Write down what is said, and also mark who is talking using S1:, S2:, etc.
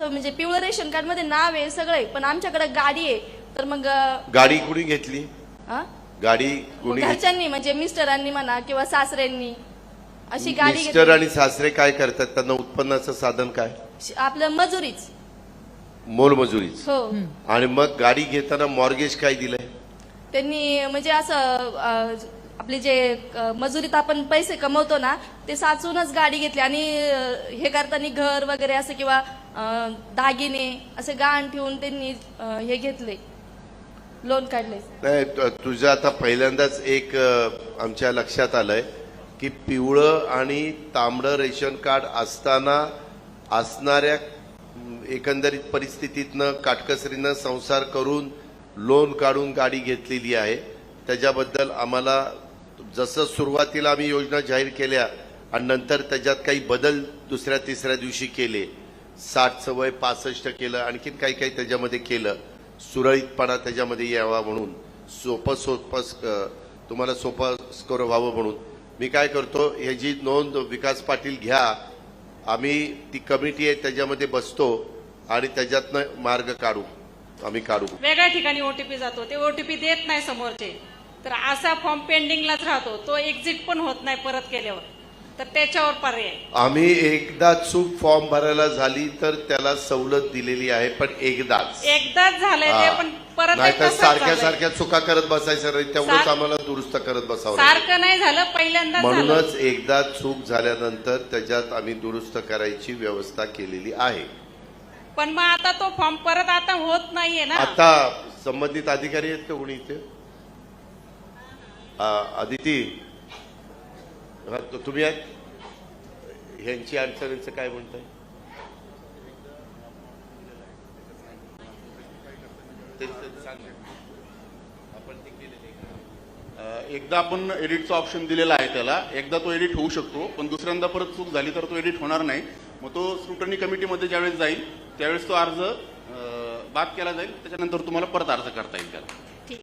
S1: म्हणजे पिवळं ration card मध्ये नाव आहे सगळं, पण आमच्याकडे गाडी आहे. तर मग
S2: गाडी कुणी घेतली?
S1: हा?
S2: गाडी कुणी?
S1: घरच्यांनी म्हणजे मिस्टरांनी म्हणा किंवा सासऱ्यांनी अशी गाडी
S2: मिस्टर
S1: घेतली.
S2: आणि सासरे काय करतात? त्यांना उत्पन्नाचं साधन काय?
S1: आपलं मजुरीच.
S2: मोलमजुरीच.
S1: हो.
S2: आणि मग गाडी घेताना मॉर्गेज काय दिलंय
S1: त्यांनी? म्हणजे असं आपले जे मजुरीत आपण पैसे कमवतो ना, ते साचूनच गाडी घेतली. आणि हे करताना घर वगैरे असं किंवा दागिने असे गहाण ठेवून त्यांनी हे घेतले, लोन काढले.
S2: नाही, तुझं आता पहिल्यांदाच एक आमच्या लक्षात आलंय की पिवळं आणि तांबडं रेशन कार्ड असताना असणाऱ्या एकंदरीत परिस्थितीतनं काटकसरीनं संसार करून लोन काढून गाडी घेतलेली आहे. त्याच्याबद्दल आम्हाला जसं सुरुवातीला आम्ही योजना जाहीर केल्या आणि नंतर त्याच्यात काही बदल दुसऱ्या तिसऱ्या दिवशी केले, 60चं वय 65 केलं, आणखीन काही काही त्याच्यामध्ये केलं, सुरळीतपणा त्याच्यामध्ये यावा म्हणून, तुम्हाला सोपं स्कोर व्हावं म्हणून मी काय करतो, ह्याची नोंद विकास पाटील घ्या. आम्ही ती कमिटी आहे त्याच्यामध्ये बसतो आणि त्याच्यातनं मार्ग काढू. आम्ही काढू.
S3: वेगळ्या ठिकाणी ओटीपी जातो, ते ओटीपी देत नाही समोरचे, तर असा फॉर्म पेंडिंगलाच राहतो, तो एक्झिट पण होत नाही परत केल्यावर. तर त्याच्यावर पर्याय
S2: आम्ही एकदा चूक फॉर्म भरायला झाली तर त्याला सवलत दिलेली आहे, पण एकदाच
S3: झालंय ते, पण परत
S2: नाही तर
S3: एकदा
S2: सारख्या सारख्या चुका करत बसायचं नाही, तेवढंच आम्हाला दुरुस्त करत बसावं लागेल.
S3: सारखं नाही झालं, पहिल्यांदा
S2: म्हणूनच एकदा चूक झाल्यानंतर त्याच्यात आम्ही दुरुस्त करायची व्यवस्था केलेली आहे.
S3: पण मग आता तो फॉर्म परत आता होत नाहीये ना.
S2: आता संबंधित अधिकारी आहेत का कोणी इथे? अदिती, तुम्ही आहेत? ह्यांची अडचणीचं काय म्हणताय?
S4: एकदा आपण एडिटचा ऑप्शन दिलेला आहे त्याला, एकदा तो एडिट होऊ शकतो, पण दुसऱ्यांदा परत चूक झाली तर तो एडिट होणार नाही. मग तो स्क्रुटनी कमिटीमध्ये ज्यावेळेस जाईल त्यावेळेस तो अर्ज बाद केला जाईल, त्याच्यानंतर तुम्हाला परत अर्ज करता येईल त्याला.